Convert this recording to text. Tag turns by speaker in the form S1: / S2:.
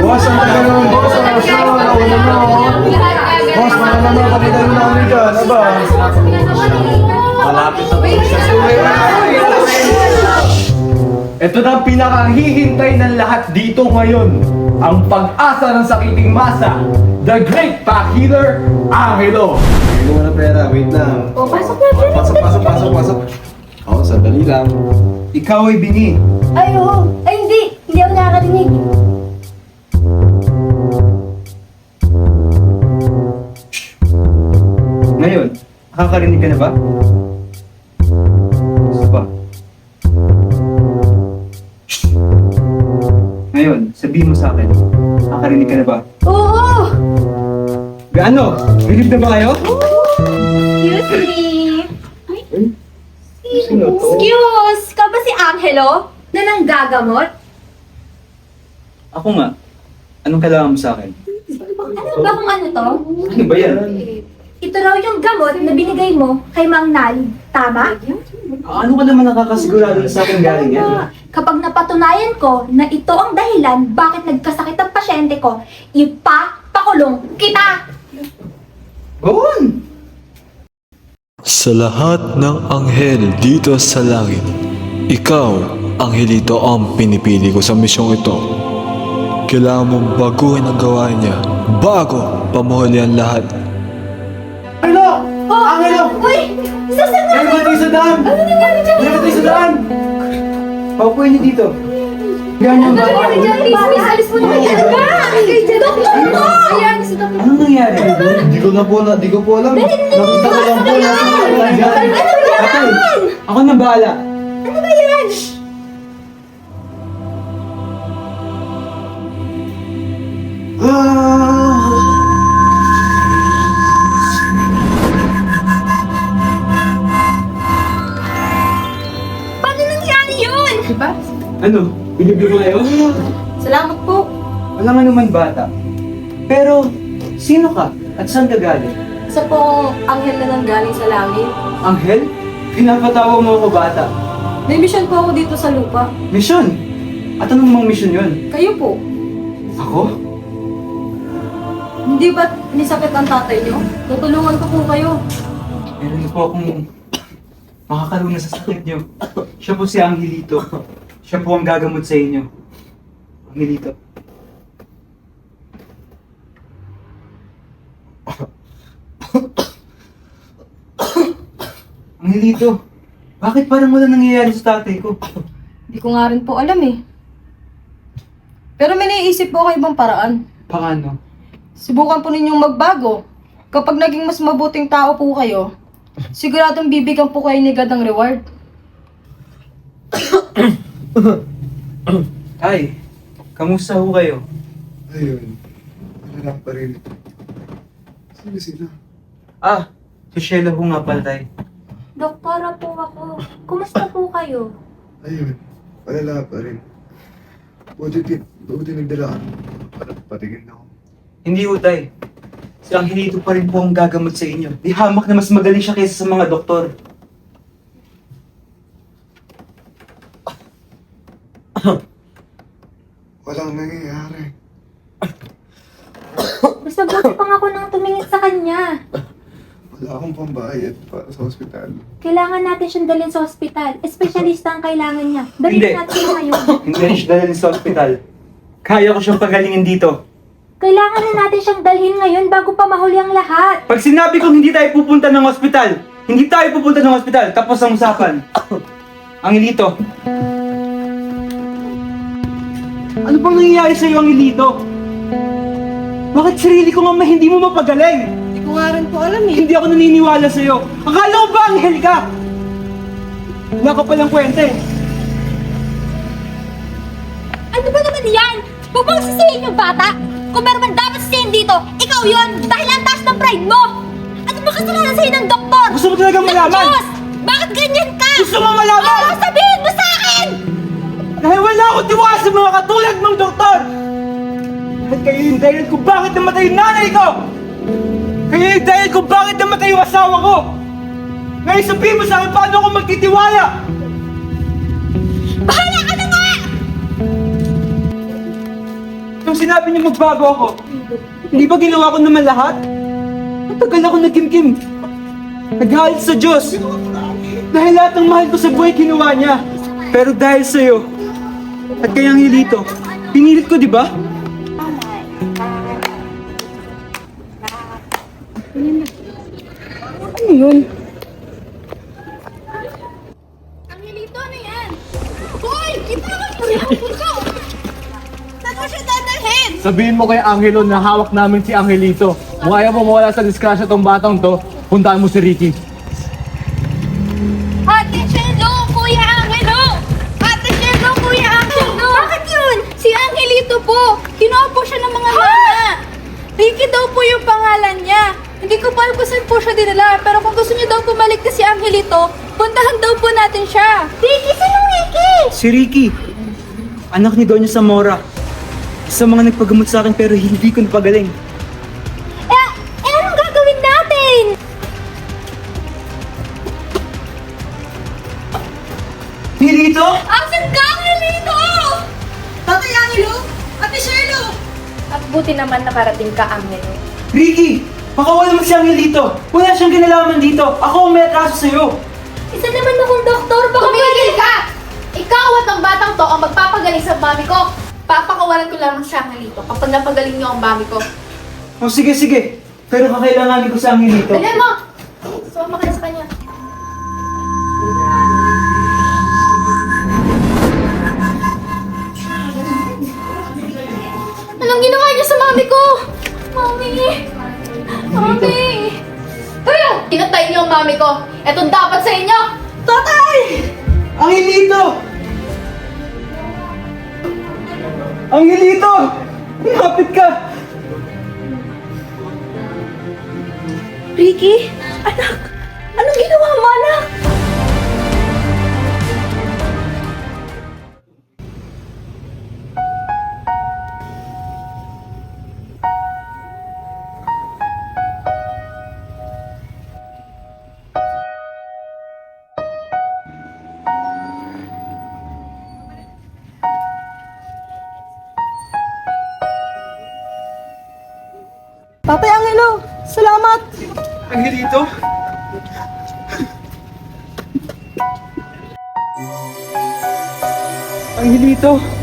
S1: Boss, ang tagal naman, boss. Ang asya, nauna na, oh. Boss, mga naman, kapitan mo namin dyan. Aba?
S2: Malapit na po siya.
S3: Ito na ang pinakahihintay ng lahat dito ngayon. Ang pag-asa ng sakiting masa. The Great Pack Healer, Angelo.
S1: Hindi ko na pera, wait lang.
S4: O, pasok na,
S1: Pasok. Oo, sandali lang.
S3: Ikaw ay bingi.
S4: Ay, oo. Ay, hindi. Hindi ako nakakarinig.
S3: Ngayon, nakakarinig ka na ba? Gusto pa? Shh! Ngayon, sabihin mo sa akin, nakakarinig ka na ba?
S4: Oo!
S3: Gaano? Bilib na ba kayo?
S4: Excuse me.
S3: Sino to?
S4: Excuse! Ka ba si Angelo? Na nanggagamot?
S3: Ako nga. Anong kailangan mo sa akin?
S4: Alam ba kung ano to?
S3: Ano ba yan?
S4: Ito raw yung gamot na binigay mo kay Mang Nal. Tama?
S3: Ano ka naman nakakasigurado na sa akin galing yan?
S4: Kapag napatunayan ko na ito ang dahilan bakit nagkasakit ang pasyente ko, ipapakulong kita!
S3: Gawon!
S5: Sa lahat ng anghel dito sa langit, ikaw, Angelito, ang pinipili ko sa misyong ito. Kailangan mong baguhin ang gawain niya bago pamuhuli ang lahat.
S3: Angelo!
S4: Oh!
S3: Angelo!
S4: Uy! Sasama!
S3: May matay sa daan!
S4: Ano nangyari dyan?
S3: May matay sa daan! Paupuin niyo dito. Ganyan ba?
S4: Ano nangyari dyan? Please, alis mo na kayo. Ano ba? Doktor mo! Ayan, si Doktor.
S3: Anong nangyari?
S1: Di ko po alam. Nakita ko lang po na
S3: Nangyari?
S4: Ano ba yan?
S3: Patay! Ako na bahala.
S4: Ano ba yan? Paano nangyari yun?
S3: Ano? Bilib na ba kayo?
S4: Salamat po.
S3: Wala nga naman bata. Pero, sino ka? At saan ka galing?
S4: Isa pong anghel na nanggaling sa langit.
S3: Anghel? Pinapatawa mo ako bata.
S4: May mission po ako dito sa lupa.
S3: Misyon! At anong mga misyon yun?
S4: Kayo po.
S3: Ako?
S4: Hindi ba't nisakit ang tatay niyo? Tutulungan ko po kayo.
S3: Meron po akong makakaluna sa sakit niyo. Siya po si Angelito. Siya po ang gagamot sa inyo. Angelito. Angelito, bakit parang wala nangyayari sa tatay ko?
S6: Hindi ko nga rin po alam eh. Pero may naiisip po kayo ibang paraan.
S3: Paano?
S6: Subukan po ninyong magbago. Kapag naging mas mabuting tao po kayo, siguradong bibigyan po kayo ni God ng reward.
S3: Tay, kamusta ho kayo?
S1: Ayun. Wala pa rin. Sino sila?
S3: Ah, si Sheila ho nga pala, tay.
S4: Doktora po ako. Kumusta po kayo?
S1: Ayun. Wala pa rin. Buti nagdala ka. Para patigil na ako.
S3: Hindi ho, tay. Si Angelito pa rin po ang gagamot sa inyo. Di hamak na mas magaling siya kaysa sa mga doktor.
S1: Walang nangyayari.
S4: Mas mabuti pang ako nang tumingin sa kanya.
S1: Wala akong pambayad para sa ospital.
S4: Kailangan natin siyang dalhin sa ospital. Espesyalista ang kailangan niya. Dalhin
S3: Hindi.
S4: natin siya ngayon.
S3: Hindi rin siya dalhin sa ospital. Kaya ko siyang pagalingin dito.
S4: Kailangan na natin siyang dalhin ngayon bago pa mahuli ang lahat.
S3: Pag sinabi kong hindi tayo pupunta ng ospital, hindi tayo pupunta ng ospital, tapos ang usapan. Angelito. Ano bang nangyayari sa'yo, Angelito? Bakit sarili ko nga hindi mo mapagaling?
S6: Hindi ko nga rin po alam eh.
S3: Hindi ako naniniwala sa'yo. Akala ko ba anghel ka? Wala ka palang kwente.
S4: Ano ba naman yan? Huwag mong sisihin yung bata. Kung meron man dapat sisihin dito, ikaw yon dahil ang taas ng pride mo. Ano ba kasalanan sa'yo ng doktor?
S3: Gusto mo talagang malaman?
S4: Diyos! Bakit ganyan ka?
S3: Gusto mo malaman?
S4: Oo, sabihin mo sa akin!
S3: Dahil wala akong tiwala sa mga katulad mong doktor! At kayo yung dahilan kung bakit namatay yung nanay ko! Kayo yung dahilan kung bakit namatay yung asawa ko! Ngayon sabihin mo sa akin paano ako magtitiwala!
S4: Bahala ka na nga!
S3: Nung sinabi niyo magbago ako, hindi ba ginawa ko naman lahat? Matagal ako nagkimkim. Naghalit sa Diyos. Dahil lahat ng mahal ko sa buhay kinuha niya. Pero dahil sa'yo, at kay Angelito, pinilit ko, di ba? Ano yun?
S4: Angelito, ano yan? Hoy! Itawan mo siya! Ikaw! Saan mo siya dadalhin?
S2: Sabihin mo kay Angelo na hawak namin si Angelito. Kung ayaw mo mawala sa disgrasya tong batang to, puntaan mo si Ricky.
S4: Ate Shelo! Kuya Angelo! Ate Shelo! Kuya Angelo! Bakit yun? Si Angelito po! Kinuha po siya ng mga mana! Ricky daw po yung pangalan niya. Hindi ko pa alam kung saan po siya dinala. Pero kung gusto niyo daw pumalik na si Angelito, puntahan daw po natin siya. Ricky! Sinong Ricky?
S3: Si Ricky, anak ni Doña Zamora. Isa mga nagpagamot sa akin pero hindi ko napagaling.
S4: Anong gagawin natin?
S3: Angelito?
S4: Asan ka, Angelito?
S6: Tatay Angelo! Ate Shelo!
S7: At buti naman nakarating ka, Angelo.
S3: Ricky, pakawala mo si Angelito. Wala siyang kinalaman dito. Ako ang may atraso sa'yo.
S4: Isa naman akong doktor, baka
S7: Tumigil ka! Ikaw at ang batang to ang magpapagaling sa mami ko. Papakawalan ko lamang siya, Angelito, kapag napagaling niyo ang mami ko.
S3: O sige, sige. Pero kakailanganin ko si Angelito.
S7: Dalihan mo! Sumama ka na sa kanya.
S4: Anong ginawa niyo sa mami ko? Mami! Mami!
S7: Kayo! Pinatay niyo ang mami ko. Ito dapat sa inyo!
S3: Tatay! Angelito! Angelito! Lumapit ka!
S4: Ricky? Anak! Anong ginawa mo, anak?
S6: Tatay Angelo! Salamat!
S3: Angelito? Angelito?